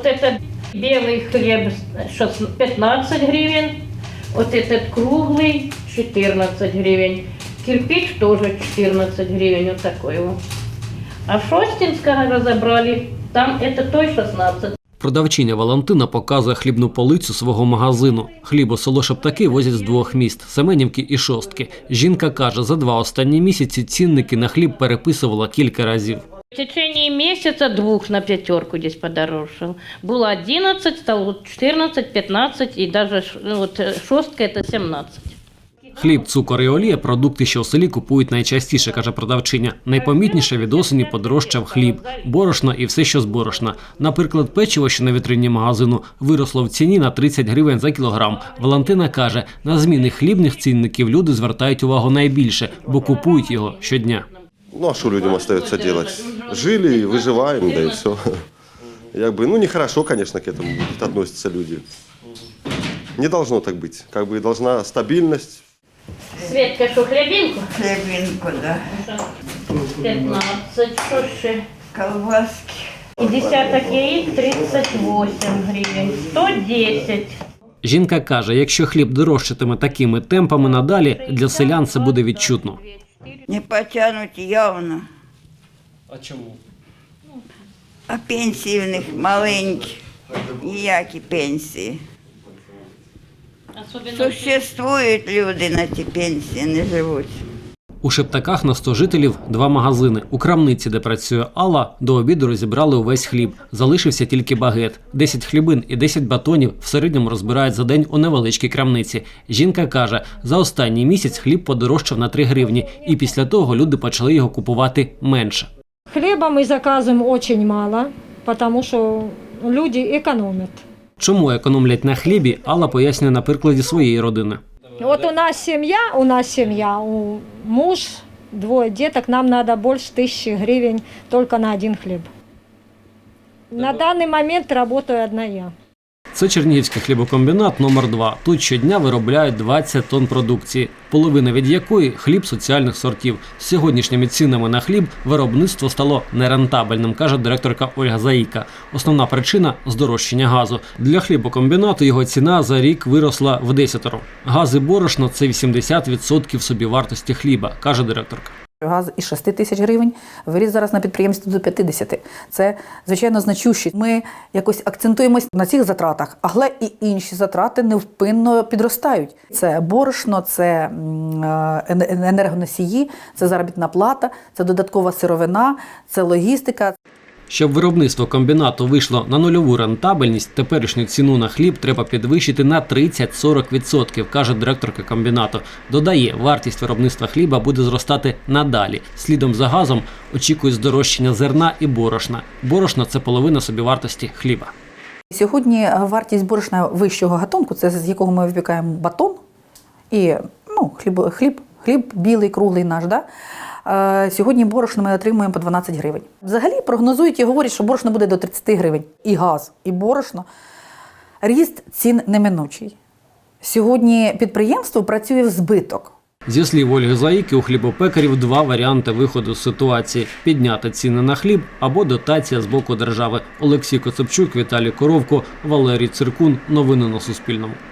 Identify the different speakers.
Speaker 1: Вот это белый хлеб 15 гривен, вот этот круглый 14 гривен, кирпич тоже 14 гривен, вот такой вот. А Шостинского разобрали, там это той 16.
Speaker 2: Продавчиня Валентина показує хлібну полицю свого магазину. Хліб у село Шептаки возять з двох міст – Семенівки і Шостки. Жінка каже, за 2 останні місяці цінники на хліб переписувала кілька разів.
Speaker 1: В течение месяца 2 на 5 здесь подорожал. Было 11, стало 14, 15 и даже вот Шостка это 17.
Speaker 2: Хліб, цукор і олія – продукти, що у селі купують найчастіше, каже продавчиня. Найпомітніше від осені подорожчав хліб, борошно і все, що з борошна. Наприклад, печиво, що на вітрині магазину, виросло в ціні на 30 гривень за кілограм. Валентина каже, на зміни хлібних цінників люди звертають увагу найбільше, бо купують його щодня.
Speaker 3: Ну а что людям остается делать? Жили, выживаем, да и все. Нехорошо, конечно, к этому будут относиться люди. Не должно так быть. Должна стабильность.
Speaker 1: Светка, что, хлебинку?
Speaker 4: Хлебинку, да.
Speaker 1: 15, что ще?
Speaker 4: Колбаски.
Speaker 1: И десяток яиц 38 гривен, 110.
Speaker 2: Жінка каже, якщо хліб дорожчатиме такими темпами надалі, для селян це буде відчутно.
Speaker 4: Не потянуть явно.
Speaker 2: А чому?
Speaker 4: А пенсії в них маленькі. Ніякі пенсії. Существують люди на ті пенсії, не живуть.
Speaker 2: У Шептаках на 100 жителів 2 магазини. У крамниці, де працює Алла, до обіду розібрали увесь хліб. Залишився тільки багет. 10 хлібин і 10 батонів в середньому розбирають за день у невеличкій крамниці. Жінка каже, за останній місяць хліб подорожчав на 3 гривні. І після того люди почали його купувати менше.
Speaker 5: Хлеба мы заказываем очень мало, потому что люди экономят.
Speaker 2: Чому економлять на хлібі, Алла пояснює на прикладі своєї родини.
Speaker 5: Вот у нас семья, муж, 2 деток, нам надо больше 1000 гривен только на 1 хлеб. На данный момент работаю одна я.
Speaker 2: Це Чернігівський хлібокомбінат номер 2. Тут щодня виробляють 20 тонн продукції, половина від якої – хліб соціальних сортів. З сьогоднішніми цінами на хліб виробництво стало нерентабельним, каже директорка Ольга Заїка. Основна причина – здорожчання газу. Для хлібокомбінату його ціна за рік виросла в 10. Газ і борошно – це 80% собівартості хліба, каже директорка.
Speaker 6: Газ із 6 тисяч гривень виріс зараз на підприємстві до 50. Це, звичайно, значуще. Ми якось акцентуємось на цих затратах, але і інші затрати невпинно підростають. Це борошно, це енергоносії, це заробітна плата, це додаткова сировина, це логістика.
Speaker 2: Щоб виробництво комбінату вийшло на нульову рентабельність, теперішню ціну на хліб треба підвищити на 30-40%, каже директорка комбінату. Додає, вартість виробництва хліба буде зростати надалі. Слідом за газом очікують здорожчання зерна і борошна. Борошно – це половина собівартості хліба.
Speaker 6: Сьогодні вартість борошна вищого гатунку, це з якого ми випікаємо батон і хліб білий, круглий наш, да? Сьогодні борошно ми отримуємо по 12 гривень. Взагалі прогнозують і говорять, що борошно буде до 30 гривень. І газ, і борошно. Ріст цін неминучий. Сьогодні підприємство працює в збиток.
Speaker 2: Зі слів Ольги Заїки, у хлібопекарів 2 варіанти виходу з ситуації – підняти ціни на хліб або дотація з боку держави. Олексій Коцепчук, Віталій Коровко, Валерій Циркун. Новини на Суспільному.